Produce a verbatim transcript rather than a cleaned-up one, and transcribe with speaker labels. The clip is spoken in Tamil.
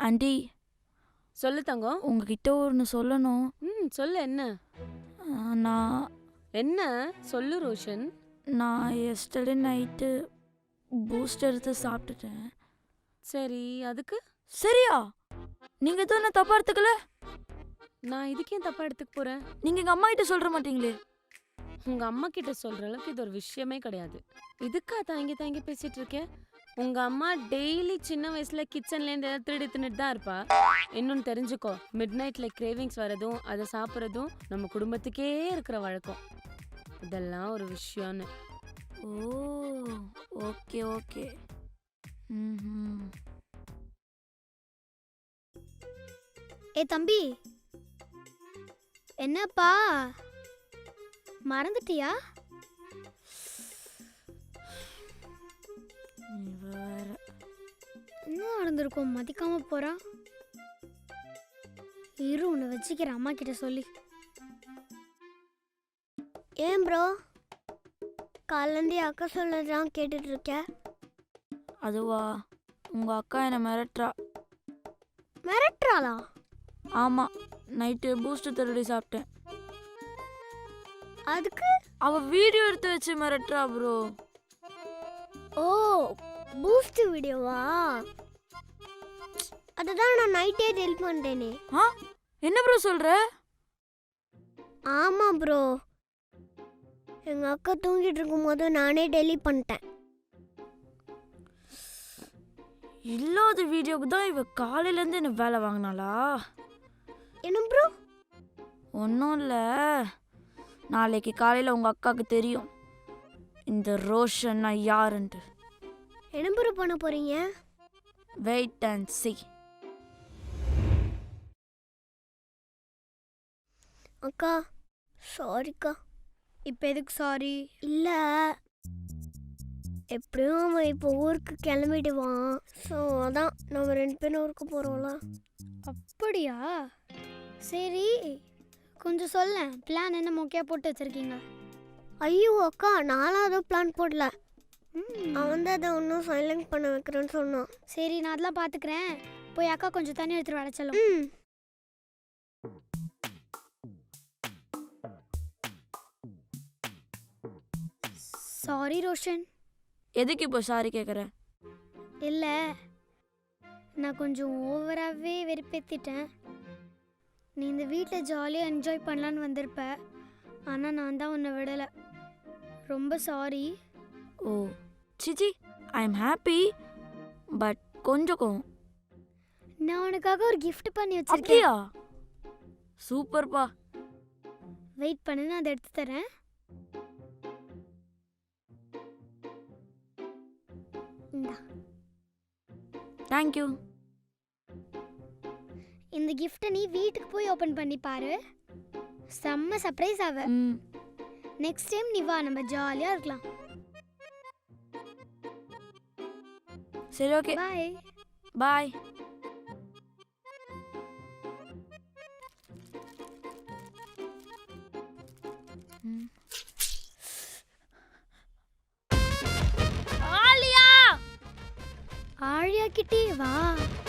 Speaker 1: ஆண்டி
Speaker 2: சொல்லு தங்கம்.
Speaker 1: உங்ககிட்ட ஒன்று சொல்லணும்.
Speaker 2: ம் சொல்லு. என்ன
Speaker 1: ஆ, நான்
Speaker 2: என்ன சொல்லு ரோஷன்.
Speaker 1: நான் எஸ்டர்டே நைட்டு பூஸ்ட் எடுத்து சாப்பிட்டுட்டேன்.
Speaker 2: சரி, அதுக்கு
Speaker 1: சரியா? நீங்க எதுவும் என்ன தப்பா எடுத்துக்கல?
Speaker 2: நான் இதுக்கே தப்பா எடுத்துக்க போறேன்.
Speaker 1: நீங்க எங்க அம்மா கிட்ட சொல்ற மாட்டீங்களே?
Speaker 2: உங்க அம்மா கிட்ட சொல்ற அளவுக்கு இது ஒரு விஷயமே கிடையாது. இதுக்கா தாங்கி தாங்கி பேசிட்டு இருக்கேன். உங்க அம்மா டெய்லி சின்ன வயசுல கிச்சன்ல இருந்து ஏதாவது திருடி தின்னுட்டு தான் இருப்பா. இன்னொன்னு தெரிஞ்சுக்கோ, மிட் நைட்ல கிரேவிங்ஸ் வரதும் அதை சாப்பிட்றதும் நம்ம குடும்பத்துக்கே இருக்கிற வழக்கம். இதெல்லாம் ஒரு விஷயம்னு.
Speaker 1: Oh okay okay. ம்.
Speaker 3: ஏ தம்பி, என்னப்பா மறந்துட்டியா?
Speaker 1: வேற
Speaker 3: என்ன நடந்திருக்கும் மதிக்காம போறா? இரு உன்னை வச்சுக்கிற அம்மா கிட்ட சொல்லி. ஏன் ப்ரோ காலேந்தி அக்கா சொல்லதான் கேட்டுட்டு இருக்க?
Speaker 1: அதுவா, உங்க அக்கா என்னை மிரட்டுறா.
Speaker 3: மிரட்டுறாளா?
Speaker 1: ஆமா, நைட்டு பூஸ்ட் திருடி சாப்பிட்டேன்.
Speaker 3: அதுக்கு
Speaker 1: அவ வீடியோ எடுத்து வச்சு மிரட்டுறா ப்ரோ.
Speaker 3: ஓ பூஸ்ட் வீடியோவா? அதுதான் நான் நைட்டே டெலிட் பண்ணிட்டேனே.
Speaker 1: ஆ என்ன ப்ரோ சொல்ற?
Speaker 3: ஆமா ப்ரோ, எங்க அக்கா தூங்கிட்டு இருக்கும்போது நானே டெலிட் பண்ணிட்டேன்.
Speaker 1: இல்லாத வீடியோக்கு தான் இவ காலையில இருந்து என்ன வேலை வாங்கினாளா?
Speaker 3: என்ன ப்ரோ?
Speaker 1: ஒன்றும் இல்லை, நாளைக்கு காலையில் உங்கள் அக்காவுக்கு தெரியும் இந்த ரோஷன்னா யாருன்ட்டு.
Speaker 3: என்ன ப்ரோ பண்ண போறீங்க?
Speaker 1: Wait and see.
Speaker 3: அக்கா சாரிக்கா. இப்போ எதுக்கு சாரி? இல்லை, எப்படியும் அவன் இப்போ ஊருக்கு கிளம்பிடுவான். ஸோ அதான் நம்ம ரெண்டு பேரும் ஊருக்கு போகிறோம்ல. அப்படியா? சரி, கொஞ்சம் சொல்ல, பிளான் என்ன மொக்கையாக போட்டு வச்சுருக்கீங்க? ஐயோ அக்கா, நானும் அதுவும் பிளான் போடல. அவன் தான் அதை ஒன்றும் சைலண்ட் பண்ண வைக்கிறேன்னு சொன்னான். சரி, நான் அதெல்லாம் பார்த்துக்கிறேன். போய் அக்கா கொஞ்சம் தண்ணி எடுத்துட்டு வர சொல்லும். ம். சாரி ரோஷன்.
Speaker 1: எதுக்கு இப்போ சாரி கேட்குற?
Speaker 3: இல்லை, நான் கொஞ்சம் ஓவராகவே வெறுப்பேற்றிட்டேன். நீ இந்த வீட்டில் ஜாலியாக என்ஜாய் பண்ணலான்னு வந்திருப்ப, ஆனால் நான் தான் உன்னை விடலை. ரொம்ப சாரி.
Speaker 1: ஓ சிச்சி, ஐ எம் ஹாப்பி, பட் கொஞ்சம் கோவம்.
Speaker 3: நான் உனக்காக ஒரு gift பண்ணி வச்சிருக்கேன்.
Speaker 1: அப்படியா? சூப்பர்ப்பா.
Speaker 3: வெயிட் பண்ணு, நான் அதை எடுத்து தரேன். இந்தா,
Speaker 1: தேங்க்யூ.
Speaker 3: இந்த கிஃப்ட்டை நீ வீட்டுக்கு போய் ஓப்பன் பண்ணி பாரு. செம்ம சர்ப்ரைஸ் ஆவ.
Speaker 1: ம்.
Speaker 3: நெக்ஸ்ட் டைம் நீ வா, நம்ம ஜாலியாக இருக்கலாம்.
Speaker 1: சரி ஓகே,
Speaker 3: பாய்.
Speaker 1: பாய்.
Speaker 3: ஆழியா கிட்டே வா.